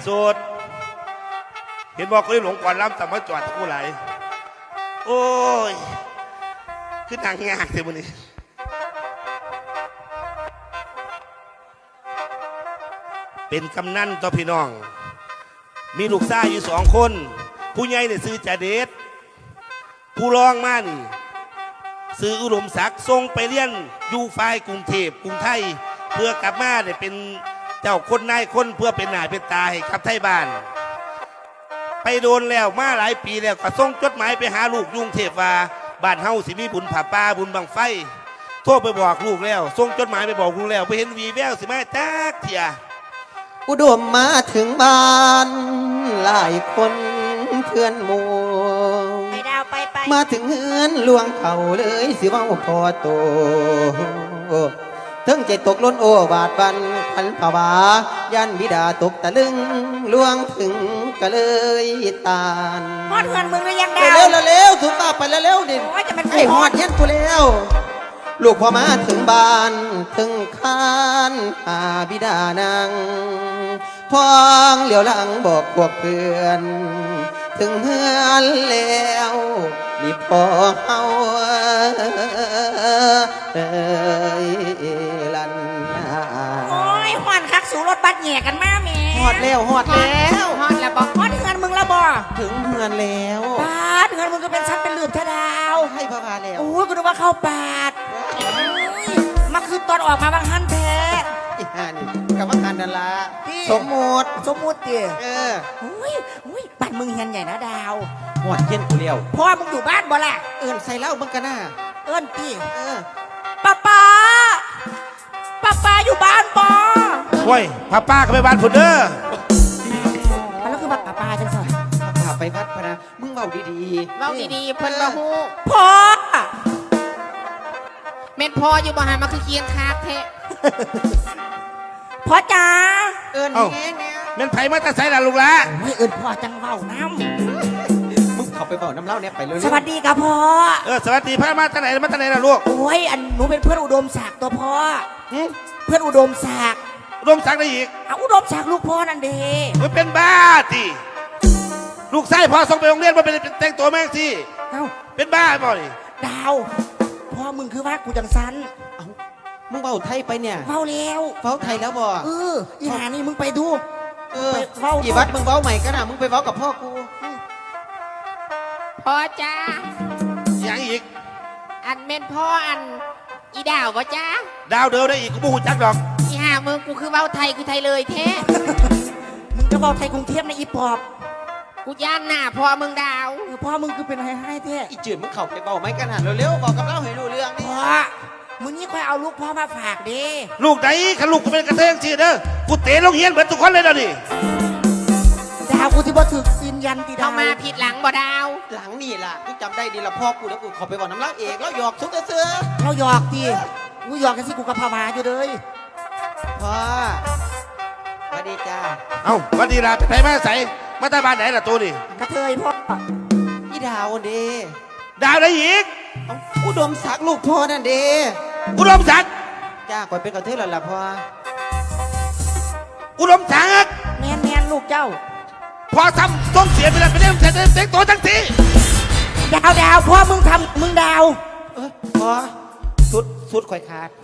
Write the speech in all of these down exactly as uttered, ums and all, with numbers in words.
สุดเห็นบอกเคยหลงก่อนล้ำแต่มาจอดกูไหลโอ้ยขึ้นทางยากเลยมันนี่เป็นกำนันต่อพี่น้องมีลูกชายอยู่สองคนผู้ใหญ่เนี่ยซื้อจ่าเดชผู้รองมานี่ซื้ออุดมศักดิ์ส่งไปเรียนอยู่ฝ่ายกรุงเทพกรุงไทยเพื่อกลับมาเนี่ยเป็นเจ้าคนนายคนเพื่อเป็นหน้าเป็นตาให้กับไทยบ้านไปโดนแล้วมาหลายปีแล้วก็ส่งจดหมายไปหาลูกยุงเทพว่าบ้านเฮาสิมีบุญผ่าป่าบุญบังไฟโทรไปบอกลูกแล้วส่งจดหมายไปบอกลูกแล้วไปเห็นวีแววสิมาจักเถียอุดมมาถึงบ้านหลายคนเพื่อนหมู่ไปดาวไปไปมาถึงเฮือนลวงเขาเลยสิว่าพอโตถึงใจตกล้นโอบาดบันขันผวายันบิดาตกตะลึงลวงถึงก็เลยตานฮอดเฮือนมึงหรือยังดาวเร็วเร็วสุดตาไปเร็วดิไอ้ฮอดเฮ็ดกูแล้วลูกพอมาถึงบ้านถึงคานหาบิดานางพองเหลียวหลังบอกพวกเพื่อนถึงเฮือนแล้วนี่พอเฮาเอ้ยลันโอ้ยหอนคักสูรถบัสแย่กันมาแม่ฮอดแล้วฮอดแล้วฮอดแล้วบอกฮอดเฮือนมึงแล้วบ่ถึงเฮือนแล้วปาดเฮือนมึงก็เป็นชั้นเป็นหลืบเทดาวให้พระพาแล้วโอ้ยกูนึกว่าเข้าปาดมาคือตอนออกมาบางฮั่นแท้อีห่านี่กับว่าการนั่นละสมมติสมมุติดิเอออุ้ยอุ้ยบ้านมึงเฮียนใหญ่นะดาวหอดเย็นกูเลี้ยวพ่อมึงอยู่บ้านบ่ล่ะเอิ้นใส่เหล้ามึงกันน่ะเอิ้นตีเออป้าป้าป้าป้าอยู่บ้านบ่โอ้ยป้าป้าก็ไปบ้านผุนเด้อมันแล้วคือป้าป้าจังสิป้าไปวัดพนะมึงเบาดีๆเบาดีๆเพิ่นบ่ฮู้พ่อเม็ดพ่ออยู่บ่หันมาคือเคียงคาแท้พ่อจ๋าเอิญแง่เนี่ยเม็นไผ่มาแต่ใส่ละลูกละไม่เอิญพ่อจังเว้าน้ำมึงเขาไปบอกน้ำเล่าเนี่ยไปเลยสวัสดีครับพ่อเออสวัสดีพ่อมาตั้งไหนมาตั้งไหนล่ะลูกโอ้ยอันหนูเป็นเพื่อนอุดมศักดิ์ตัวพ่อเพื่อนอุดมศักดิ์อุดมศักดิ์ได้อีกเอาอุดมศักดิ์ลูกพ่อนั่นเด้มันเป็นบ้าจีลูกไส้พ่อส่งไปโรงเรียนมาเป็นแต่งตัวแม่งสิเอ้าเป็นบ้าบ่ดิดาวพ่อมึงคือว่ากูจังสันมึงเฝ้าไทยไปเนี่ยเฝ้าแล้วเฝ้าไทยแล้วบ่เอออีหานี่มึงไปดูเออเฝ้ากี่วัดมึงเฝ้าใหม่กันนะมึงไปเฝ้ากับพ่อกูพ่อจ้าอย่างอีกอันเม็นพ่ออันอีดาวบ่จ้าดาวเดินได้อีกกูบูจักดอกอีห่ามึงกูคือเว้าไทยคือไทยเลยแท้มึงจะเว้าไทยกรุงเทพในอีปอบกูย่านหน้าพ่อมึงดาวพ่อมึงคือเป็นไฮไฮแท้อีจืดมึงเข่าไปเฝ้าไหมกันนะเร็วๆบอกกับเราให้รู้เรื่องนี่พ่อมึงนี่ค่อยเอาลูกพ่อมาฝากดิลูกไหนขันลูกกูเป็นกระเทยสิเด้อกูเตะลงเฮียนเหมือนทุกคนเลยนะดิดาวกูที่บ่ถึกสินยันตีดาวเข้ามาผิดหลังบ่ดาวหลังนี่ล่ะกูจำได้ดีละพ่อกูแล้วกูขอไปบอกน้ำเล่าเองแล้วหยอกสุดเสือเราหยอกดิกูหยอกกันสิกูกับพาวาอยู่เลยพ่อสวัสดีจ้าเอ้าสวัสดีล่ะไปไหนมาใส่มาตาบ้านไหนล่ะตัวนี่กระเทยพ่ออีดาวเด้ดาวได้อีกอุดมศักดิ์ลูกพ่อนั่นเด้อุดมศักดิ์จ้าก่อนเป็นกระเทยแล้วล่ะพ่ออุดมศักดิ์แมนแมนลูกเจ้าพ่อทำต้องเสียไปแล้วไปเล่นเด็กตัวทั้งทีดาวดาวพ่อมึงทำมึงดาวเออพ่อสุดสุดข่อยขาด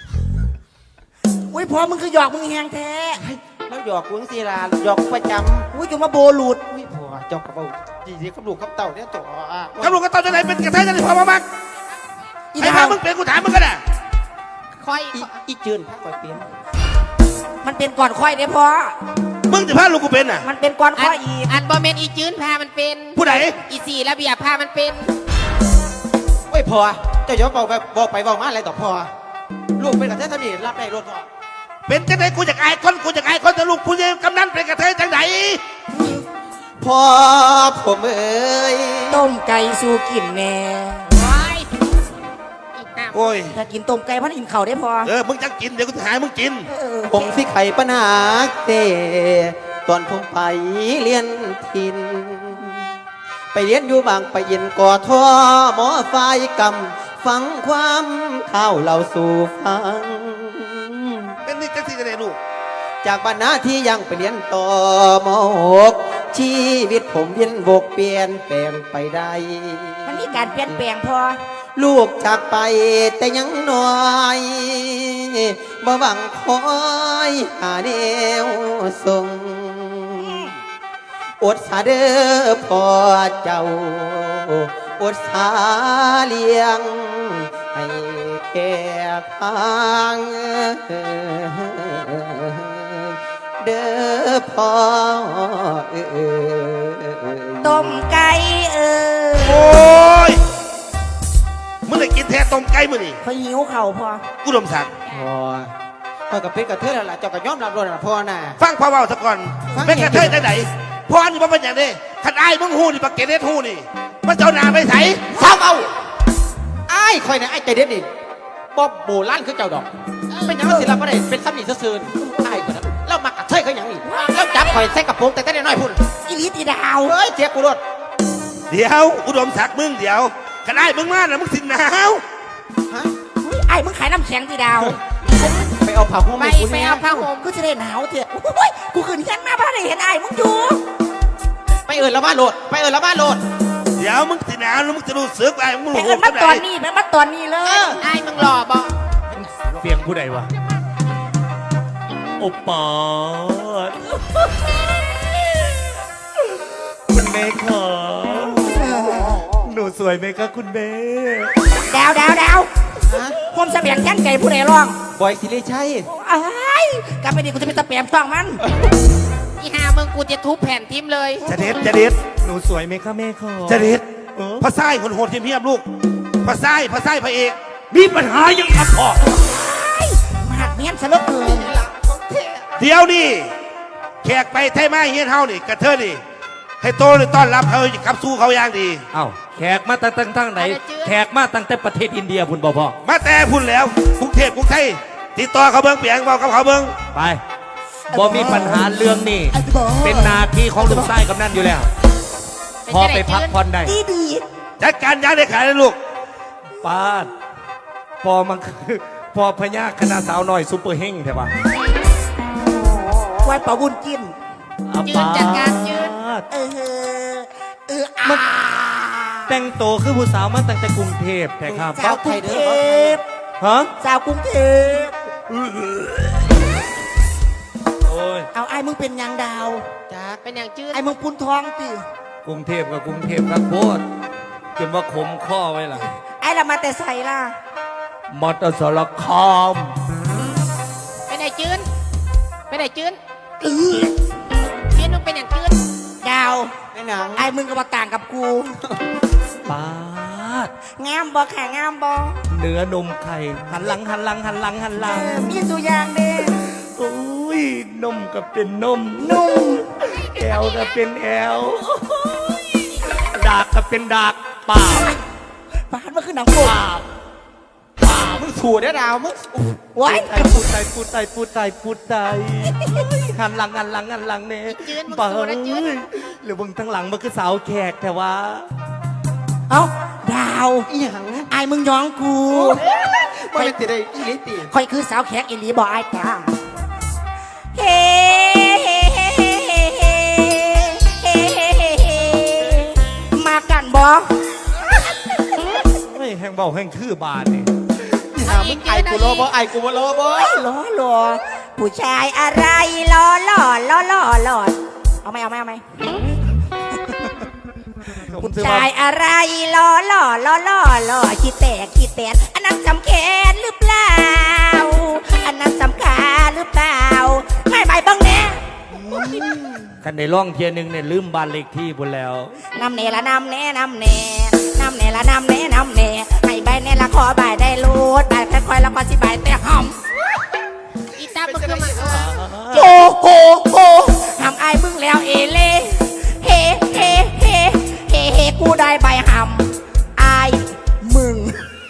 อุ้ยพ่อมึงคือหยอกมึงแหงแท้แล้วหยอกกูสิล่ะหยอกประจำอุ้ยจะมาโบหลุดอุ้ยพ่อจอกกระเป๋าจีจีกับลูกกับเต่าเนี่ยตัวกับลูกกับเต่าจะไหนเป็นกระเทยจะไหนพ่อมาบ้างไอ้พ่อมึงเป็นกูถามมึงก็ได้คอยอีจืนพักคอยเปลี่ยนมันเป็นก่อนค่อยเด้พ่อมึงจะพาลูกกูเป็นอ่ะมันเป็นก่อนค่อยอีอันบอมเมนอีจืนพามันเป็นผู้ใดอีสี่ระเบียบพามันเป็นโอ้ยพ่อเจ้าอย่าบอกไปบอกไปบอกมาอะไรต่อพ่อลูกเป็นกระเทยทำนี่รับได้รถพ่อเป็นจังไหนกูจะอายคนกูจะอายคนแต่ลูกผู้ใหญ่กำนันเป็นกระเทยจังไหนพ่อผมเอ้ยต้มไก่สู้กินแน่โอ้ยถ้ากินต้มไก่พันอิ่มเข่าได้พอเออมึงจะกินเดี๋ยวกูจะหายมึงกินผมสิไข่ปัญหาเตตอนผมไปเรียนทินไปเรียนอยู่บางไปยินก่อท่อหมอไฟกำฟังความข่าวเราสู่ฟังเป็นนี่จังสิจะได้ลูกจากบรรณาที่ยังไปเรียนต่อมหกชีวิตผมเวียนบกเปลี่ยนแปลงไปได้มันมีการเปลี่ยนแปลงพอลูกจากไปแต่ยังน้อยบ่หวังคอยหาแนวส่งอดสาเด้อพ่อเจ้าอดสาเลี้ยงให้แก่ทางเด้อพ่อเอ้ยต้มไก่เออโอ้ยมึงได้กินแท้ต้มไก่มื้อนี่เขาหิวเข่าพออุดมศักดิ์พ่อพ่อกับเป็ดกับเธอแล้วล่ะเจ้าก็ยอมรับด้วยนะพ่อน่ะฟังพ่อเว้าซะก่อนฟังเป็นกระเทยได้ไหนพ่อนี่บ่เป็นหยังเด้คันอ้ายมึงฮู้นี่บักเกเรตฮู้นี่มันเจ้าหน้าไปไสเศร้าเอาไอ้ายคอยนะไอ้ายใจเด็ดนี่บ๊อบโบล้านคือเจ้าดอก เป็นหยังศิลปะได้เป็นซ้ำนี่ซื่อๆไอ้ายคนนั้นเรามากระเทยเขาหยังนี่เราจับคอยใส่กระโปรงแต่แต่น้อยๆพุ่นอีหลีตีดาวเฮ้ยเจ๊กูรถเดี๋ยวอุดมศักดิ์มึงเดี๋ยวคันอ้ายมึงมาน่ะมึงสิหนาวฮะอุ๊ยไอ้มึงขายน้ำแข็งตีดาวไปเอาผ้าห่มไปให้กูไปเนี่ยเอาผ้าห่มกูจะได้หนาวเถอะโอ้ยกูขึ้นเฮียนมาบ้านได้เห็นไอ้มึงอยู่ไปเอิญละบ้านโหลดไปเอิญละบ้านโหลดเดี๋ยวมึงสิหนาวแล้วมึงจะรู้สึกว่ามึงไปรู้เอินมาตอนนี้ไปมาตอนนี้เลเอย อไอ้มึงหล่อบ่เสียงผู้ใดวะโอปอดคุณเมย์ขอหนูสวยไหมคะคุณเมย์ดาวดาวดาวฮะผมเสบียงแก้นไก่ผู้ใดร้องบอยสิริชัยไอ้ายกลับไปดิกูจะเป็นตะเปียมต้องมันอีหามึงกูจะทุบแผ่นทิมเลยจะเด็ดจะเด็ดหนูสวยไหมคะแม่ขอจะเด็ดเออพระไส้คนโหดเทียมๆลูกพระไส้พระไส้พระเอกมีปัญหายังครับพ่อมาหักเมียนซะเหลือเกินเดี๋ยวนี่แขกไปไทยมาเฮียนเฮานี่กระเทยนี่ ให้โตเลยต้อนรับเขาขับสู้เขาอย่างดีเอ้าแขกมาตั้งตั้งตั้งไหน แขกมาตั้งแต่ประเทศอินเดียพุ่นบ่พ่อมาแต่พุ่นแล้วกรุงเทพกรุงไทยติดต่อเขาเบิ้งเปียงบอกกับเขาเบิ้งไปบ่มีปัญหาเรื่องนี้เป็นหนาที่ของลุงไส้กำนันอยู่แล้ว พอไปพักผ่อนได้ดีดีจัดการยาได้ขายเลยลูกป้าดพอมันคือพอพญาคณะสาวน้อยซุปเปอร์เฮงใช่ปะไว้เป่าบุญกินอ่ะยืนจัดการยืนป้าดเออเอออาแต่งโตวคือผู้สาวมาตั้งแต่กรุงเทพแท้ครับสาวกรุงเทพฮะสาวกรุงเทพโอ้ยเอาไอ้มึงเป็นยางดาวจ้าเป็นอย่างจืดไอ้มึงปุนทองติกรุงเทพกับกรุงเทพครับโพดจนว่าขมข้อไว้ล่ะไอ้ละมาแต่ใส่ล่ะมอเตอร์สารคามเป็นไหนจืดเป็นไหนจืดอื้อจืดมึงเป็นอย่างจืดดาวในหนังไอ้มึงก็มาต่างกับกูป้าดงามบ่แข่งามบ่เนื้อนมไข่หันหลังหันหลังหันหลังหันหเอลังอมีตัวอย่างเด้โอ้ยนมก็เป็นนมนุ่มแอลก็เป็นแอลดากก็เป็นดากปากปานมันคือหนังโป๊ปากมึงถูได้ดาวมึงไว้พูดไทยพูดไทยพูดไทยพูดไทยหันหลังหันหลังหันหลังเนี่ยจืดมึงปาสู้นะจืดหรือมึงทั้งหลังมันคือสาวแขกแต่ว่าเอ้าดาวอีหยังไอ้มึงย้องกูบ่ได้ติได้อีหลิติคอยคือสาวแขกอีหลีบ่ไอ้จ้าเฮ้เฮ้เฮ้เฮ้เฮ้เฮ้เฮ้เฮ้เฮ้มากันบ่ไม่แห้งเบาแห้งคือบานนี่อีหามึงไอ้กูรอบ่ไอ้กูบ่รอบ่ล้อหล่อผู้ชายอะไรล้อหล่อล้อหล่อหล่อเอาไหมเอาไหมเอาไหมผู้ชายอะไรล้อหล่อล้อหล่อหล่อขี้แตกขี้แตนอันนั้นสำคัญหรือเปล่า อันนั้นสำคัญหรือเปล่าให้ใบบ้างแน่คันในร่องเทียหนึงเนี่ยลืมบานเลขที่บนแล้วนำเนละนำแน่นำแน่นำเนละนำแน่นำแน่ให้ใบแน่ละขอใบได้รูดใบค่อยๆแล้วก็สิใบแต่หอมอีตามึงคือมันโอ้โหโหทำไอ้มึงแล้วเอเล่เฮเฮเฮเฮเฮกูได้ใบหำไอ้มึง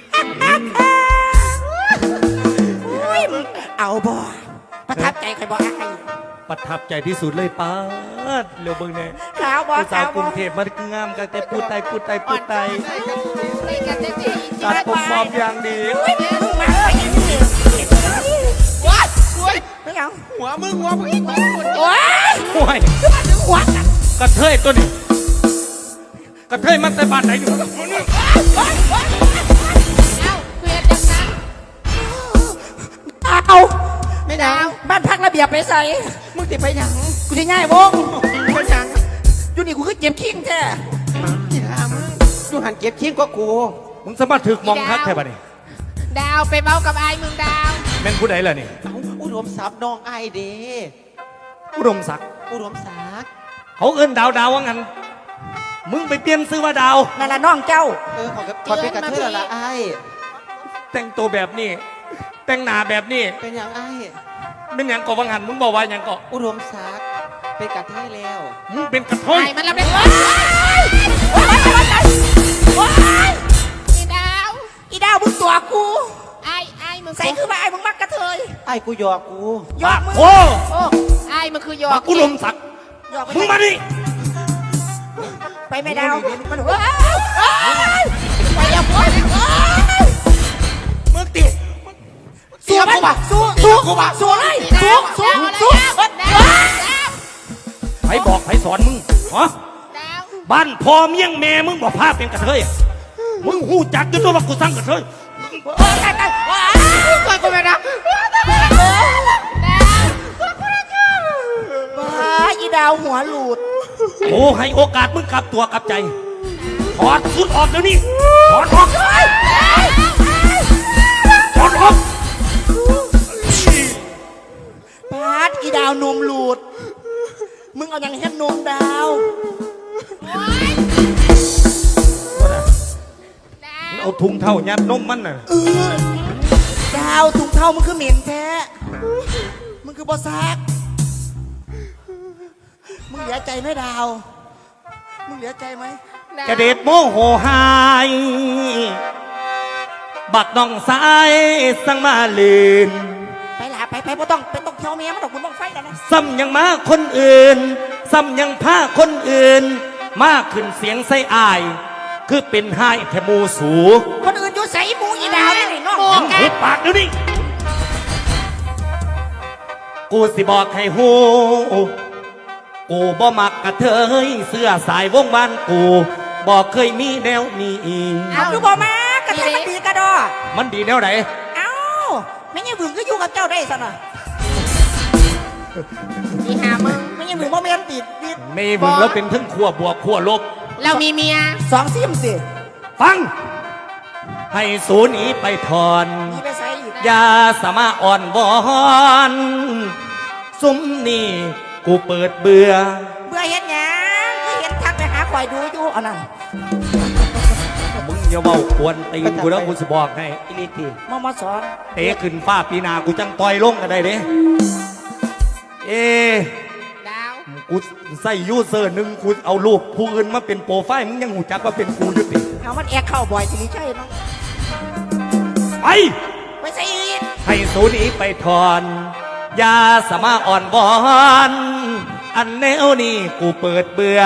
อุ๊ยเอาบ่ประทับใจใครบ่ไอ้ประทับใจที่สุดเลยป้าดเร็วเบิ่งเนี่ยขาวบ่ผู้สาขาว วกรุบ่งเทพมันงามกันแต่พูดไทยพูดไทยพูดไทยในกันได้ดีตัดผมมอมอย่างดีอุ๊ยมึงมาไปอีกทีว้ายโอ้ยไม่เอาโหัวมึงหัวมึงโอ้ยโอ้ยหัวกันกระเทยตัวนี้กระเทยมันใส่บาตรไหนอยู่เอ้าคือเฮ็ดจังนั้นเอาไม่ได้บ้านพักระเบียบไปใส่มึงติไปหยังกูจะง่ายวงไปหยังอยู่นี่กูคือเจ็บขิงแท้ที่หามึงอยู่หันเก็บเคียงก็กูมึงสามารถถึกมองคักแค่ปะนี่ดาวไปเบ้ากับไอ้มึงดาวแม่นผู้ใดล่ะนี่เอาอุดมทรัพย์น้องไอเดอุดมศักดิ์อุดมศักดิ์เขาเอิ้นดาวดาวว่างั้นมึงไปเปลี่ยนซื้อว่าดาวนั่นล่ะน้องเจ้าเออขอกับขอเป็นกระเทยละไอแต่งตัวแบบนี้ แต่งหน้าแบบนี้เป็นอย่างไอเป็นหยังก่อวังหันมึงบอกว่าหยังก่ออุดมศักดิ์เป็นกระเทยแล้วมึงเป็นกระเทยไอ้มันรับได้ไหมอีดาวอีดาวมึงตัวกูไอ้ไอ้มึงใส่คือว่าไอ้มึงมักกระเทยไอ้กูหยอกกูยอกมึงโอ้โอ้ไอ้มึงคือหยอมาก อุดมศักดิ์ยอกไปมึงมาดิไปไม่ดาวมันว้ายไปอย่าพูดมึงติสู้มันสู้สู้สู้เลยสู้สู้สู้ดาวดาวใครบอกใครสอนมึงฮะดาวบ้านพ่อเมียงแม่มึงบอกพาเป็นกระเทยอะมึงหูจักจนตัวว่ากูสร้างกระเทยตายตายว้าก่อนกูไม่รับดาวว้าอีดาวหัวหลุดโอ้ให้โอกาสมึงกลับตัวกลับใจถอดสุดออกเดี๋ยวนี้ถอดออกถอดออกปาดอีดาวนมหลุด มึงเอาอย่างเฮ็ดนมดาวเอาถุงเท่ายัดนมมันน่ะดาวถุงเท้ามึงคือเหม็นแท้ มึงคือบอซัก มึงเหลือใจไหมดาว มึงเหลือใจไหมกระเด็ดโมโหหายบักน้องสายสั่งมาลืนไปหลาไปไปบ่ต้องไปต้องเที่ยวเมียมันดอกคุณต้องไฟแล้วนะซ้ำยังมาคนอื่น ซ้ำยังพาคนอื่น มาขึ้นเสียงใส่อาย คือเป็นไห้แค่หมูสูคนอื่นอยู่ใส่หมูอีดาวนี่นี่น้องมึงหุบปากเดี๋ยวนี้กูสิบอกให้หูกูบ่มักกระเทยเสื้อสายวงบ้านกูบอกเคยมีแนวนี้เอาคือบ่มากระเทยมันดีกระดอมันดีแนวไหนเอ้าไม่ยังบึงก็อยู่กับเจ้าได้ซะหน่อยอีหามึงไม่ยังบึงบ่แม่นติดติดไม่มึงแล้วเป็นทั้งขั้วบวกขั้วลบเรามีเมียสองซิมสิฟัง ให้สูหนีไปถอนมีไปใส่อีกอย่าสามารถอ่อนวอนซุ้มนี่กูเปิดเบื่อเบื่อเห็นหยังคือเห็นทักไปหาคอยดูอยู่อันนั้นมึงอย่าเว้าควรตีนกูแล้วกูจะบอกให้อิลิติมามาสอนเตะขึ้นฟ้าปีนากูจังต่อยลงกันได้เด้เอดาวกูใส่ยูเซอร์หนึ่งกูเอารูปผู้อื่นมาเป็นโปรไฟล์มึงยังหูจักว่าเป็นกูอยู่ติเอามันแอกเข้าบ่อยสิริชัยเนาะไปไปใส่อีกให้สูหนีไปถอนอย่าสามารถอ่อนวอนอันแนวนี้กูเปิดเบื่อ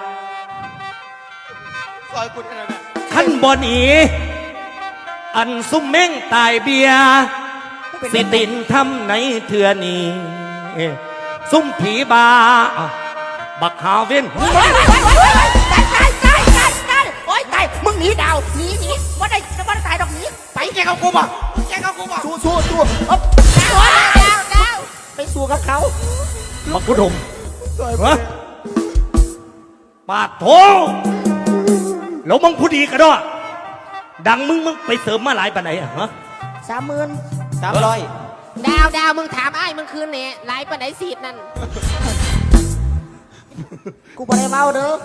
ซอยกูได้แล้วนะขั้นบอนีอันซุ่มเม้งตายเบียสิตินทำในเถื่อนี้ซุ่มผีบาบักหาเว้นโอ้ยโอ้ยโอ้ยโอ้ยตายตายตายตายตายโอ้ยตายมึงหนีดาวหนีหนีว่าได้จะว่าได้ตายดอกหนีไปแกเอากูบ่แกเอากูบ่สู้สู้สู้อ๊บดาวดาวดาวไปสู้กับเขาบักพุทธมฮะปาดโถแล้วมึงผู้ดีกันด้วยดังมึงมึงไปเสริมมาหลายปานไหนอะฮะสามหมื่นสามร้อยดาวดาวมึงถามไอ้มึงคืนเนี่ยไลฟ์ปะไหนสีดนั่นกูบ่ได้เมาเด้อ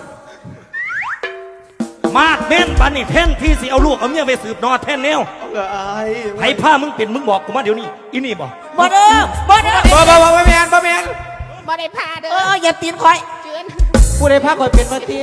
มาดเม่นปันนี่แท่นที่สิเอาลูกเอาเมียไปสืบนอแท่นแนวเออไอ้ไผ่ผ้ามึงเป็นมึงบอกกูมาเดี๋ยวนี้อีนี่บอกบ่เด้อบ่เด้อบ่บ่บ่บ่แมนบ่แมนบ่ได้พาเด้เออ Ờ, ออย่าตีนคอยเจือนกูได้พักก่อนเป็นมาตี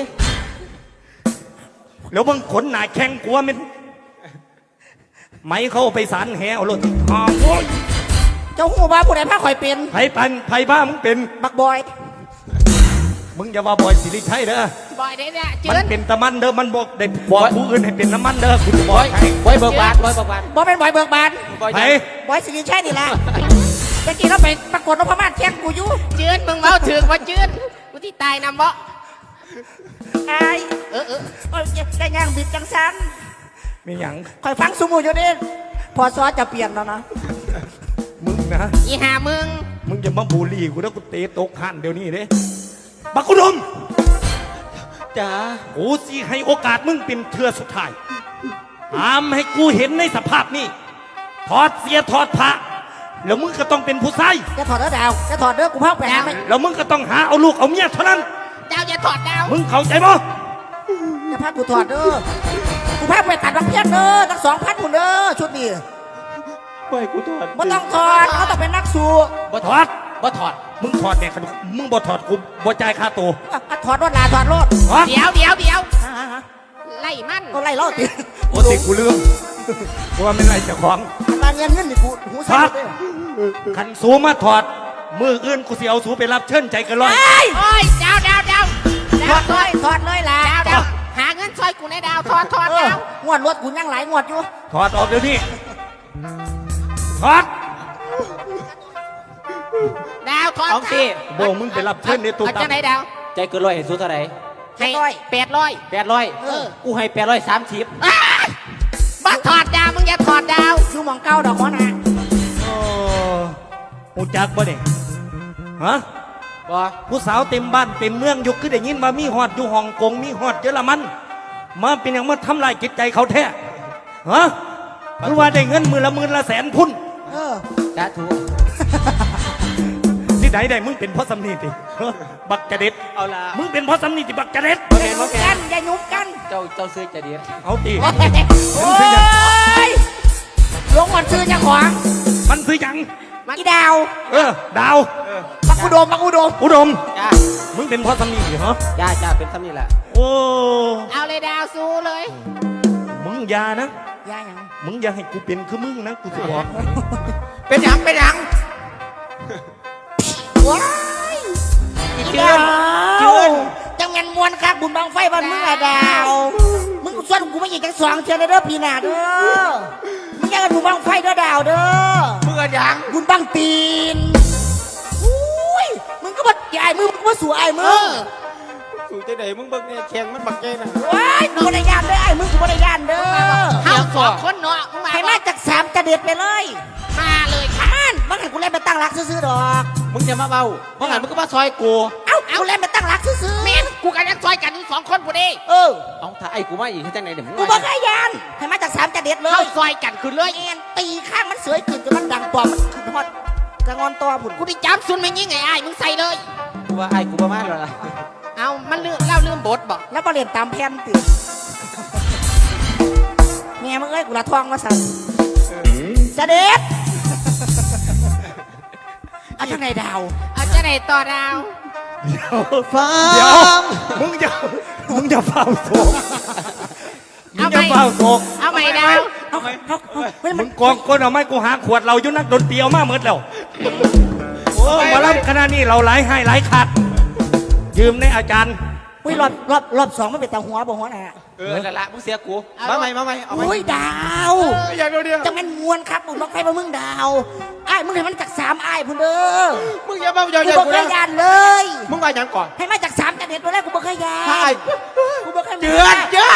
แล้วมึงขนหนาแข้งกลัวมันไหมเขาเอาไปสารแหเอารถอ้าวโอ้ยเจ้าหูว่าผู้ใดพาคอยเป็นไผ่ปันไผ่ผ้ามึงเป็นบักบอยมึงอย่าว่าบอยสิริชัยเด้อบ่อยได้เนี่ยเจืมันอนเป็นตะมันเด้อ มันบอกเด็กบอกผู้อื่นให้เป็นน้ำมันเด้อ คุณจะบอกให้ไว้เบิกบานไว้เบิกบานบ่เป็นบอยเบิกบานไปบอยสิริชัยนี่ล่ะตะกี้เราไปประกวดนพมาศแข่งกูอยู่จืนมึงเมาถึงว่าจืนกูที่ตายนำบ่ไอ้เออเออโอ้ยได้ย่างบิดจังสันมีหยังคอยฟังสมูอยู่นี่พอซอจะเปลี่ยนแล้วนะมึงนะอีหามึงมึงจะมาบูลลี่กูแล้วกูเตะตกหันเดี๋ยวนี้เด้บักกุดมจ้ากูสิให้โอกาสมึงเป็นเทือสุดท้ายห้ามให้กูเห็นในสภาพนี้ถอดเสียถอดผ้าแล้วมึงก็ต้องเป็นผู้ชายจะถอดเด้อดาวจะถอดเด้อกูพักไปหาไหมแล้วมึงก็ต้องหาเอาลูกเอาเมียเท่านั้นดาวอย่าถอดดาวมึงเข้าใจบ่จะพักกูถอดเด้อกูพักไปตัดบางเพี้ยนเด้อตั้งสองพันผุนเด้อชุดนี้ปล่อยกูถอดไม่ต้องถอดเขาต้องเป็นนักสู้บ่ถอดบ่ถอดมึงถอดแน่ขนมมึงบ่ถอดกูบ่จ่ายค่าตัวอ่ะอ่ะถอดรถลาถอดรถฮะเดี๋ยวเดี๋ยวเดี๋ยวอ่ะอ่ะอ่ะไล่มันก็ไล่ล่อติโอ้ติกูลืมกูว่าไม่ไรเจ้าของมาเงินเงินนี่กูหูถสั่อน ดเลยขันสูมาถอด มืออื่นกูสิเอาสูไปรับเชิญใจกันร้อยไอ้ยโอ้ยดาวดาวดาวถอดเลยถอดเลยล่ะดาวดาวหาเงินช่วยกูในดาวถอดถอดเออดาวงวดรถกูยังหลายงวดอยู่ถอดออกเดี๋ยวนี้ถอดดาวถอดเอาสิโบมึงไปรับเชิญในตัวเอาตัจะไหนดาวใจเกินร้อยให้สู้เท่าไหร่ให้แปดร้อยแปดร้อยเออกูให้แปดร้อยสามสิบอ้ายบักถอดดาวมึงอย่าถอดดาวอยู่หมองเก้าดอกหัวหน้าโอ้หูจักบ่เนี่ยฮะบ่ผู้สาวเต็มบ้านเต็มเมืองอยู่คือได้ยินว่ามีฮอดอยู่ฮ่องกงมีฮอดเยอรมันมาเป็นอย่างมาทำลายจิตใจเขาแท้ฮะหรือว่าได้เงินมือละหมื่นละแสนพุ่นเออจ้าถูกที่ไหนได้มึงเป็นพ่อสำนีติฮะบักจะเด็ดเอาละมึงเป็นพ่อสำนีติบักจะเด็ดอย่ายุบกันอย่ายุบกันเจ้าเจ้าซื้อจะเดียดเอาตีโอ้ยลงวันซื้อเจ้าของมันซื้อหยังอีดาวเออ ดาวปักอุดมปักอุดมอุดมจ้ามึงเป็นพ่อสำนีติเหรอจ้าจ้าเป็นซ้ำนี่แหละโอ้เอาเลยดาวสู้เลยมึงอย่านะยาหยังมึงอย่าให้กูเป็นคือมึงนะกูจะบอกเป็นหยังเป็นหยังว้ายอีอีเจืดาอนเจืวอนจังแมนมวนครับบุญบังไฟบ้านมึงอะดาว มึงส่วนกูไม่อีกจังสองเชียร์เด้อพี่นาเด้อ มึงอยากกันบุญบังไฟเด้อดาวเด้อมึงอะหยังบุญบังตีนอุ้ย มึงก็มาใหญ่มึงมึงก็มาสู่ไอ้มึงสู่ใจไหนมึงเบิ่งเนี่ยแข่งมันบักใจนะว้ายกูบริยานเด้อไอ้มึงกูบริยานเด้อเฮาสองคนเนาะมึงมาให้บ่มาจากสามจะเด็ดไปเลยมาเลยค่ะอ่านมันให้กูเล่นไปตั้งรักซื้อๆดอกมึงอย่ามาเบาเพราะงั้นมึงก็มาซอยกูเอ้ากูเล่นไปตั้งรักซื้อๆเมนกูกันยังซอยกันอยู่สองคนกูดิเออเอาถ้าไอ้กูมาอีกให้จังไหนเดี๋ยวมึงกูบอกให้ยานให้มาจากสามจะเด็ดเลเข้าย ซอยกันขึ้นเลยเอ็นตีข้างมันเสยขึ้นจนมันดังปอมมันขึ้นฮอดกระงอนตัวผุนกูได้จับซุนไม่ยิงไงไอ้ายมึงใส่เลยกูว่าไอ้กูประมาณแล้วล่ะเอามันลืมเล่าลืมบทบอกแล้วก็เรียนตามแผนติเมียมึงเอ้ยกูละทองมาสั่นจะเด็ดเอาจังไหนดาวเอาจะไหนต่อดาวฟังเดี๋ยว มึงจะมึงจะเฝ้าโศกมึงจะเฝ้าโศกเอาใหม่ดาวเอาเอาเอาเฮ้ยมึมันงกองก้นเอาไม้กูหาขวดเราอยู่นักดนตรีเอามาเมิดแล้วโอ้มารับคณะนี้เราหลายให้หลายขาดยืมในอาจารย์อุ้ยรอบรอบรอบสองมันเป็นตาหัวบ่หัวหน่ะเออละละมึงเสียกูมาใหม่มาใหม่เอาใหม่อุ้ยดาวอยากเดียวเดียวจะมันมวนครับบุญบังไฟมามึงดาวไอ้ายมึงให้มันจากสามไอ้ายพุ่นเด้อมึงอย่ามาอย่ากูอย่าบอกกูให้นะยานเลยมึงมาอย่างก่อนให้มาจากสามจะเด็ดตัวแรกกูบอกให้ยาใช่นกูบอกให้เจือนเจือน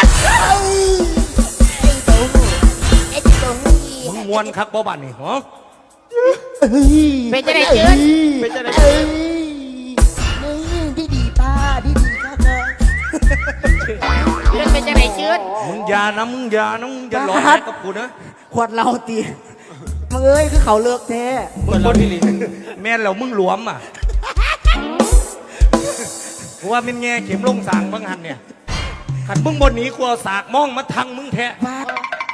ไอ้ตัวหูไอ้ตัวหูมึงมวนคักบ่บันนี่ฮะเป็นจะไหนเจือนเป็นจะได้เอ้ยนี่ดีดีป้าดีดีค่ะเธอเจือนเป็นจะไหนเจือนมึงอย่านะมึงอย่านะมึงอย่าหลอกครับกับกูนะขวดเราตีมึงเอ้ยคือเขาเลิกแท้มึงบนแม่นแล้วมึงหลวมอ่ะกูว่าเป็นแง่เข็มลงสางบางหันเนี่ยขัดมึงบนหนีกูเอาสากมองมาทังมึงแท้ป้า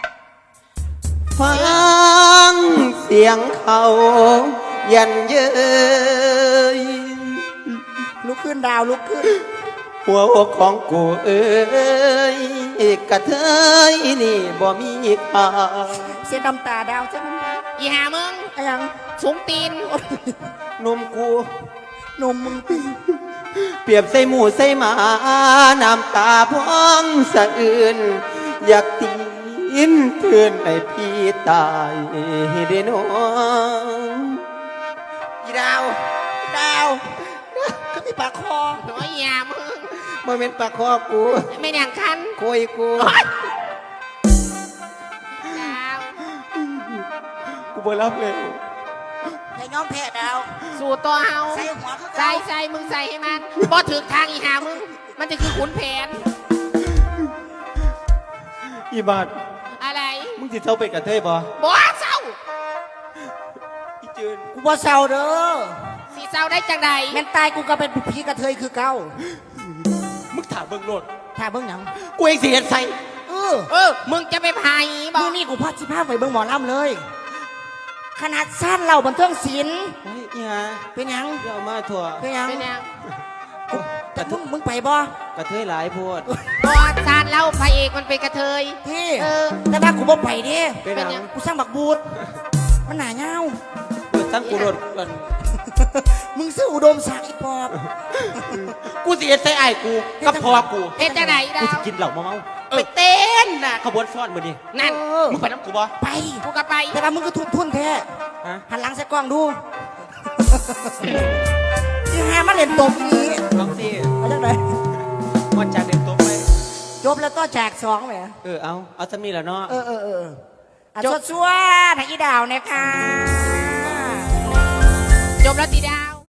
ฟังเสียงเขายันเย้ยลุกขึ้นดาวลุกขึ้นหัวอกของกูเอ้ยกระเทยนี่บ่มีค่าเสียน้ำตาดาวใช่ไหมอีหามึงไอ้ยังสูงตีนนมกูนมมึงตีเปรียบใส่หมูใส่หมา น้ำตาพองสะอื่น อยากตีนเพื่อนให้พี่ตายได้น้องดาวดาวก็มีปากคอโอ้ยอยามึงบ่แม่นปากคอกูไม่อย่างคันคุยกูดาวกูบ่รับเลยให้ย้อมแพ้ดาวสู่ตัวเฮาใส่หัวคือใส่เก่าใส่มึงใส่ให้มันบ่ถึกทางอีหามึง มันจะคือขุนแผนอีบาดอะไรมึงสิเจ้าไปกระเทยบ่บ่เศร้าอีจืนกูบ่เศร้าเด้อสีเศร้าได้จังใดแม่นตายกูก็เป็นผีกระเทยคือเก่ามึงถามเบิ่งโลดถ้าเบิ่งหยังกูเองสิเฮ็ดใส่เออเออ มึงจะไปพายบอมื้กอนี้กูพาสิพาไปเบิ่งหมอลำเลย ขนาดสั้นเราบันเทิงศิลป์เฮ้ยอีหาเป็นหยังอย่าเอามาถั่วเป็นหยังเป็นยังแต่มึงมึงไปบ่กระเทยหลายโพดบอสารเล่าพระเอกมันเป็นกระเทยพี่เออแต่ว่ากูบ่ไปเดิเป็นหยังกูสร้างบักบูดมันหนาเงาเปิดทั้งกูโดดก่อนมึงซื้ออุดมศักดิ์อีปอบกูสิเฮ็ดใส่อ้ายกูกับพ่อกูเอ็ดจังใดดากูวสิกินเหล้าเมาๆไปเต้นน่ะขบวนซ้อนมื้อนี้นั่นเออมึงไปน้ำกูบ่ไปกูก็ไปแต่ว่ามึงก็ทุนทุนแท้ฮะหันหลังใส่กล้องดูที่หามาเล่นตบนี้ลองสิเอาจังไดมอดจากเด็กตัวไปจบแล้วก็แจกสองแหมเออเอาเอาซะมีแล้วเนาะเออเออเอออ่ะจบสวดๆทางอีดาวเนี่ยค่ะจบแล้วตีดา